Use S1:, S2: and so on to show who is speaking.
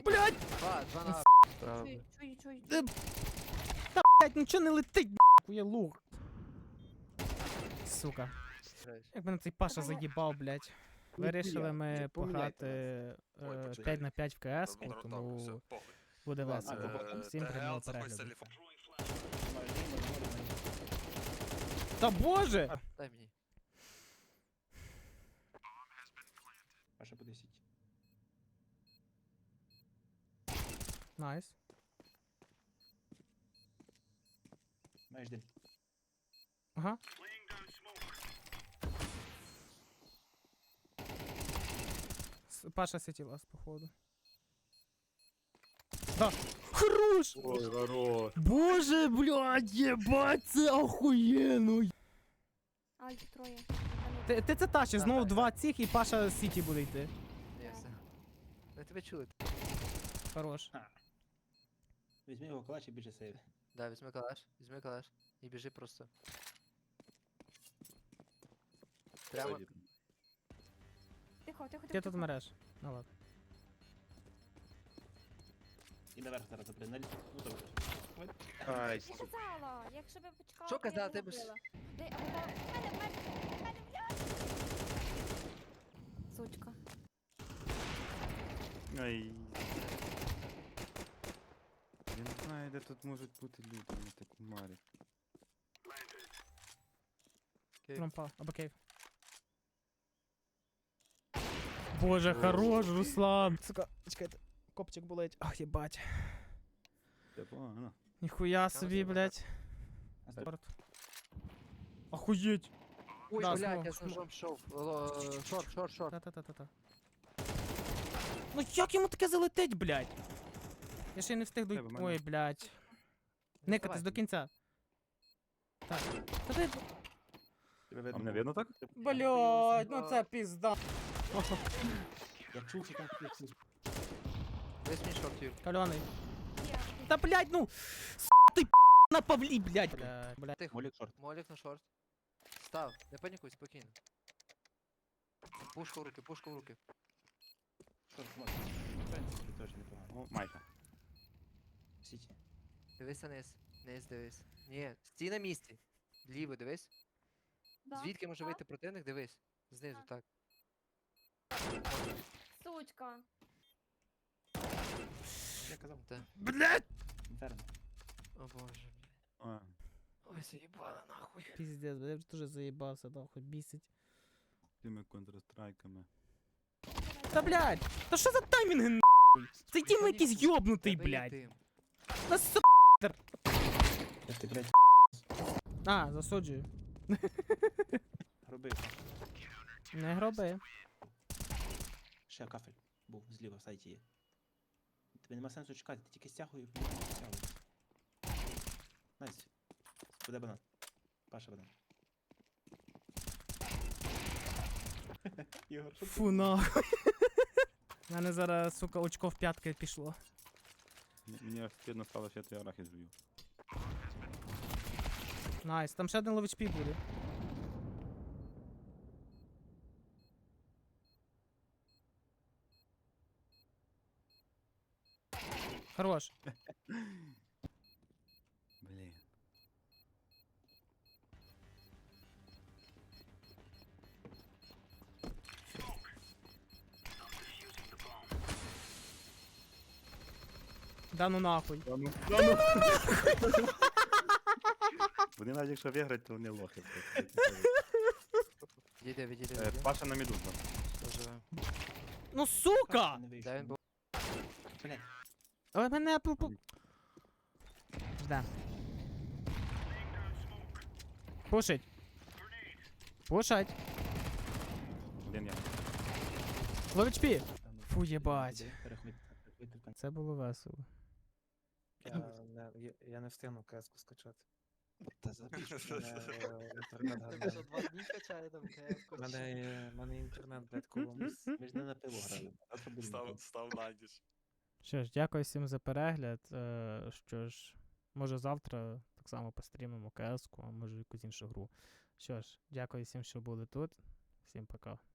S1: Блядь!
S2: Два на
S3: Правда.
S4: Чуй.
S1: Блядь, нічого не летить, хуя лук. Сука. Як мене цей Паша заїбав, блядь. Вирішили ми пограти 5 на 5 в КС, тому буде весело. Всім приємного перегляду. Та боже!
S2: Дай мені.
S3: Паша по 10.
S1: Найс.
S3: Маєш дим.
S1: Ага. Паша сіті лас, походу. Да. Хорош!
S5: Ой, хорош.
S1: Боже, блядь, єбать, це охуєнно.
S4: Ай, троє.
S1: Ти це тащиш, знову два цих і Паша з сіті буде йти.
S2: Ні, все. Ми тебе чули.
S1: Хорош.
S3: Візьми його калач і біжи сейв.
S2: Да, візьми калаш. І біжи просто. Прямо.
S4: Тихо.
S1: Ти тут мереш. Ну ладно.
S3: І наверх зараз запри. Ну добре.
S5: Ай,
S4: Я казала, якщо б я почекала,
S2: Що
S4: то я
S2: казала,
S4: б
S2: ти б
S4: вбила. Дай, а вона... Мене, блядь! Сучка.
S5: ай. Я не знаю, де тут можуть бути люди, вони так умарять.
S1: Трампа, або кейв. Боже, хорош, Руслан. Сука, чекайте. Копчик болить. Ах, єбать.
S5: Це погано.
S1: Ніхуя собі, блядь. Спорт. Охуєть.
S2: Ой,
S1: Да,
S2: блядь,
S1: смог,
S2: я з
S1: смог.
S2: ножом йшов. Шорт.
S1: Та-та-та-та-та. Ну як йому таке залетить, блядь? Я ще й не встиг до...
S5: Тебе, мене.
S1: Ой, блядь. Никатись до кінця. Так. Та ти...
S3: Тебе
S5: А мене видно так?
S1: Блядь, ну це пізда.
S3: Я чув, що там хтось.
S2: Весь мій шорт, Юр.
S1: Кальоний.
S4: Є.
S1: Та блядь, ну! Ти на Павлі, блядь. Блядь.
S2: Тихо.
S3: Молік шорт.
S2: Молік на шорт. Став, не панікуй, спокійно. Пушку в руки.
S3: Шорт, молік. В принципі, теж непогано.
S5: О, майка.
S3: Сіті.
S2: Дивися низ. Низ дивись. Ні, стій на місці. Ліво дивись.
S4: Да.
S2: Звідки може
S4: Так.
S2: вийти противник, дивись. Знизу, так.
S4: Сучка.
S3: Я казав.
S2: Та.
S1: Блядь!
S3: Інферно.
S2: О боже, блядь.
S5: А,
S2: Ой, заїбала нахуй.
S1: Піздець, я вже теж заїбався, да, хоч бісить.
S5: тими контрастрайками.
S1: Та блядь! Та що за таймінги нахуй? Цей тім якийсь йобнутий,
S2: Тебе є
S1: блядь.
S2: дим.
S1: На с***.
S3: Я ти, блядь,
S1: А, засуджую.
S3: роби.
S1: Не гроби.
S3: Ще кафель був зліва в сайті є. Тобі нема сенсу чекати, ти тільки стягуй і стягуй. Найс. Буде банан. Паша банан. Ігор, що ти?
S1: Фу нахуй. У мене зараз, сука, очко в п'ятки пішло.
S5: Мені аж стидно стало, що я той арахіс жую.
S1: Найс, там ще один лович пі буде. Хорош.
S5: Блін.
S1: Да ну нахуй.
S5: Вони навіть якщо виграють, то вони лохи.
S2: Відійди.
S5: Паша на міду там.
S2: Доживе.
S1: Ну сука!
S3: Не вийшов.
S2: Де він був?
S3: Блядь,
S1: Але мене Да. Пушить. Пушать.
S5: Один я.
S1: Лович пі.
S3: там,
S1: Фу, єбать.
S3: переходь в кінці.
S1: Це було весело.
S6: Я не встигну кеску скачати.
S3: Та забій.
S6: Інтернет гадає.
S2: 2 дні качає там КС.
S6: Мене інтернет, блядь, колом.
S3: Ми ж не на пиво грали. Завтра будемо.
S5: Став найдіш.
S1: Що ж, дякую всім за перегляд. Що ж, може завтра так само пострімимо КС-ку, а може якусь іншу гру. Що ж, дякую всім, що були тут. Всім пока.